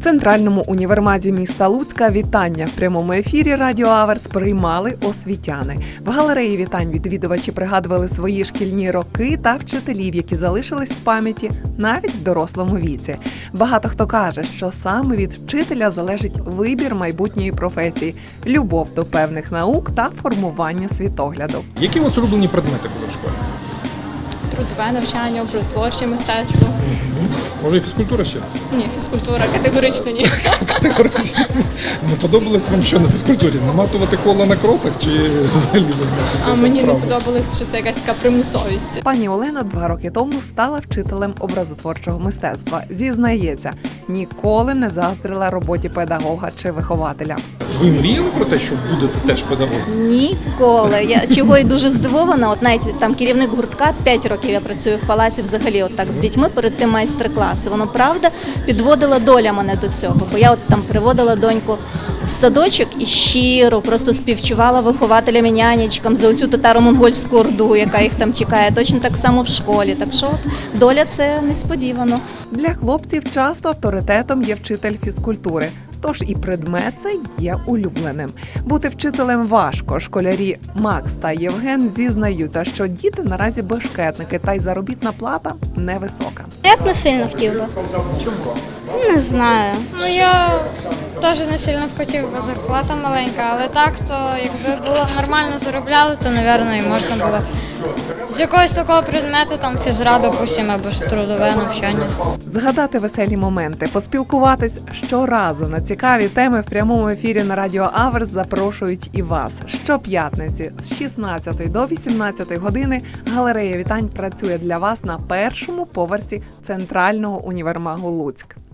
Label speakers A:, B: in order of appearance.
A: Центральному універмазі міста Луцька вітання в прямому ефірі Радіо Аверс приймали освітяни. В галереї вітань відвідувачі пригадували свої шкільні роки та вчителів, які залишились в пам'яті навіть в дорослому віці. Багато хто каже, що саме від вчителя залежить вибір майбутньої професії, любов до певних наук та формування світогляду.
B: Які у вас улюблені предмети були в школі?
C: Трудове навчання, образотворче мистецтво.
B: Може і фізкультура ще?
C: Ні, фізкультура категорично ні.
B: Категорично. Не подобалось вам що на фізкультурі? Наматувати кола на кросах чи взагалі займатися?
C: А мені не подобалось, що це якась така примусовість.
A: Пані Олена 2 роки тому стала вчителем образотворчого мистецтва. Зізнається, ніколи не заздрила роботі педагога чи вихователя.
B: Ви мріяли про те, що будете теж педагогом?
D: Ніколи. Я чого й дуже здивована. От навіть там керівник гуртка, 5 років я працюю в палаці взагалі от так з дітьми, перед тим майстер-класи. Воно, правда, підводила доля мене до цього. Бо я от там приводила доньку в садочок і щиро просто співчувала вихователям і нянечкам за оцю татаро-монгольську орду, яка їх там чекає. Точно так само в школі. Так що от, доля – це несподівано.
A: Для хлопців часто авторитетом є вчитель фізкультури. Тож і предмет цей є улюбленим. Бути вчителем важко. Школярі Макс та Євген зізнаються, що діти наразі бешкетники, та й заробітна плата невисока.
E: Я б не сильно хотів би.
A: Чому?
E: Не знаю.
F: Ну, я теж не сильно б хотів, бо зарплата маленька, але так, то якби було нормально заробляли, то, мабуть, і можна було. З якогось такого предмету, там фізра, допустимо, або ж трудове навчання.
A: Згадати веселі моменти, поспілкуватись щоразу на цікаві теми в прямому ефірі на Радіо Аверс запрошують і вас. Щоп'ятниці з 16 до 18 години галерея вітань працює для вас на першому поверсі Центрального універмагу Луцьк.